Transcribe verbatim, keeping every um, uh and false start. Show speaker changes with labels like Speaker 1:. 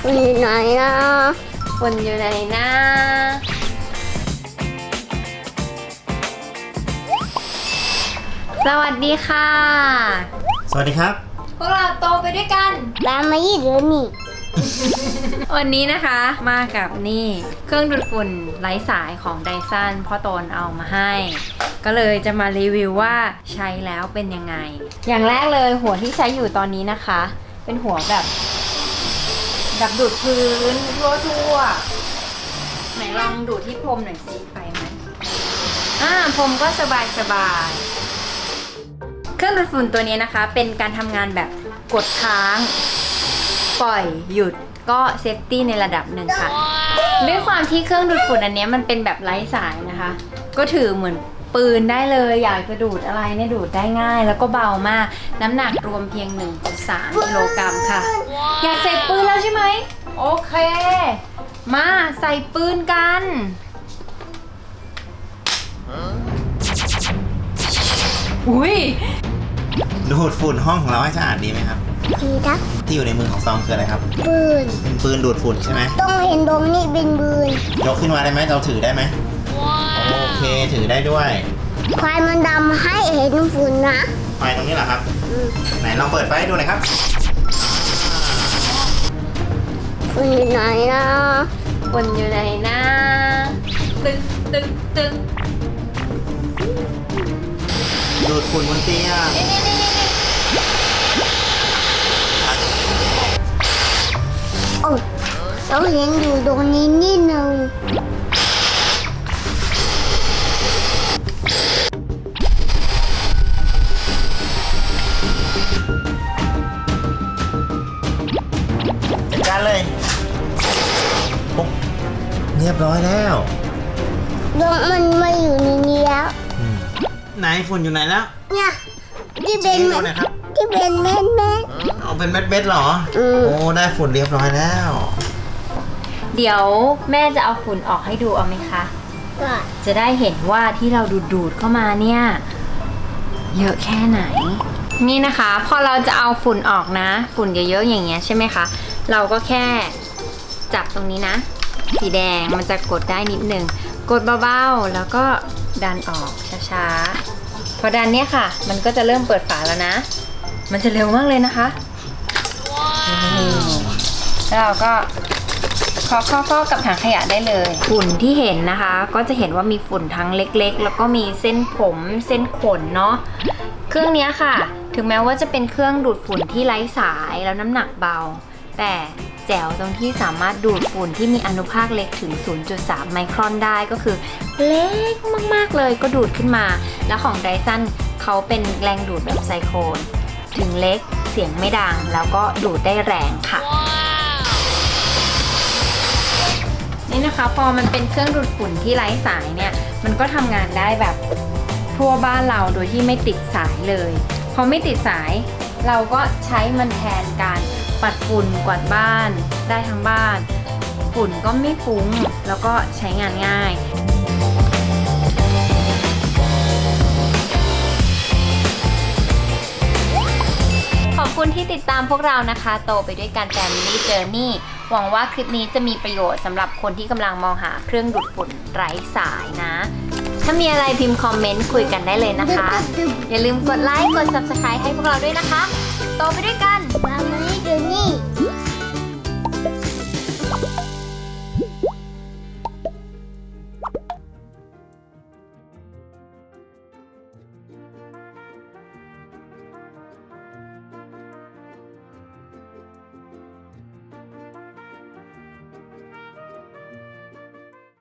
Speaker 1: ฝุ่นอยู่ไหนนะ
Speaker 2: ฝุ่นอยู่ไหนนะสวัสดีค่ะ
Speaker 3: สวัสดีครับ
Speaker 2: พวกเราโตไปด้วยกัน
Speaker 1: ตามมายี่เดือนนี่
Speaker 2: วันนี้นะคะมากับนี่เครื่องดูดฝุ่นไร้สายของไดซันพ่อโตนเอามาให้ ก็เลยจะมารีวิวว่าใช้แล้วเป็นยังไงอย่างแรกเลยหัวที่ใช้อยู่ตอนนี้นะคะเป็นหัวแบบแบบดูดพื้นทั่วๆไหนลองดูดที่พรมหน่อยสิไปไหมอ่าพรมก็สบายสบายเครื่องดูดฝุ่นตัวนี้นะคะเป็นการทำงานแบบกดค้างปล่อยหยุดก็เซฟตี้ในระดับหนึ่งค่ะด้วยความที่เครื่องดูดฝุ่นอันนี้มันเป็นแบบไร้สายนะคะก็ถือเหมือนปืนได้เลยอยากจะดูดอะไรเนี่ยดูดได้ง่ายแล้วก็เบามากน้ำหนักรวมเพียง หนึ่งจุดสาม กิโลกรัมค่ะอยากใส่ปืนแล้วใช่ไหมโอเคมาใส่ปืนกันอุ้ย
Speaker 3: ดูดฝุ่นห้องของเราให้สะอาดดีไหมครับ
Speaker 1: ดีครับ
Speaker 3: ที่อยู่ในมือของซองคืออะไรครับ
Speaker 1: ปืน
Speaker 3: เป็นปืนดูดฝุ่นใช่ไหม
Speaker 1: ต้องเห็นตรงนี้เป็นปืน
Speaker 3: ยกขึ้นมาได้ไหมเราถือได้ไหมโอเคถือได้ด้วย
Speaker 1: ไฟมันดำให้เห็นฝุ่นนะ
Speaker 3: ไฟตรงนี้เหรอครับไหนลองเปิดไฟให้ดูหน่อยครับ
Speaker 1: ฝุ่นอยู่ไหนนะ
Speaker 2: ฝุ่นอยู่ไหนนะตึ๊กตึ๊กตึ๊ก
Speaker 3: ดูดฝุ่นบนเตียง
Speaker 1: โอ้เราเห็นอยู่ตรงนี้นิดนึง
Speaker 3: จัดการเลยปุ๊บเรียบร้อยแล้ว
Speaker 1: ดวงมันมาอยู่ในนี้แล้ว
Speaker 3: ไหนฝุ่นอยู่ไหนแล้ว
Speaker 1: เนี่ยที่เป็นเม็ดที่เป็นเม็ดเม็ด
Speaker 3: เอาเป็นเม็ดเม็ดหรอโอ้ได้ฝุ่นเรียบร้อยแล้ว
Speaker 2: เดี๋ยวแม่จะเอาฝุ่นออกให้ดูเอาไหมคะจะได้เห็นว่าที่เราดูดดูดเข้ามาเนี่ยเยอะแค่ไหนนี่นะคะพอเราจะเอาฝุ่นออกนะฝุ่นเยอะๆอย่างเงี้ยใช่ไหมคะเราก็แค่จับตรงนี้นะสีแดงมันจะกดได้นิดนึงกดเบาๆแล้วก็ดันออกช้าๆพอดันเนี่ยค่ะมันก็จะเริ่มเปิดฝาแล้วนะมันจะเร็วมากเลยนะคะแล้วเราก็เคาะเคาะกับถังขยะได้เลยฝุ่นที่เห็นนะคะก็จะเห็นว่ามีฝุ่นทั้งเล็กๆแล้วก็มีเส้นผมเส้นขนเนาะเครื่องนี้ค่ะถึงแม้ว่าจะเป็นเครื่องดูดฝุ่นที่ไร้สายแล้วน้ำหนักเบาแต่แจ๋วตรงที่สามารถดูดฝุ่นที่มีอนุภาคเล็กถึง ศูนย์จุดสาม ไมครอนได้ก็คือเล็กมากๆเลยก็ดูดขึ้นมาแล้วของไดซันเขาเป็นแรงดูดแบบไซโครนถึงเล็กเสียงไม่ดังแล้วก็ดูดได้แรงค่ะนี่นะคะพอมันเป็นเครื่องดูดฝุ่นที่ไร้สายเนี่ยมันก็ทำงานได้แบบทั่วบ้านเราโดยที่ไม่ติดสายเลยพอไม่ติดสายเราก็ใช้มันแทนการปัดฝุ่นกวาดบ้านได้ทั้งบ้านฝุ่นก็ไม่ฟุ้งแล้วก็ใช้งานง่ายขอบคุณที่ติดตามพวกเรานะคะโตไปด้วยกัน Family Journey หวังว่าคลิปนี้จะมีประโยชน์สำหรับคนที่กำลังมองหาเครื่องดูดฝุ่นไร้สายนะถ้ามีอะไรพิมพ์คอมเมนต์คุยกันได้เลยนะคะอย่าลืมกดไลค์กด ซับสไครบ์ ให้พวกเราด้วยนะคะโตไปด้วยกัน
Speaker 1: Family Journey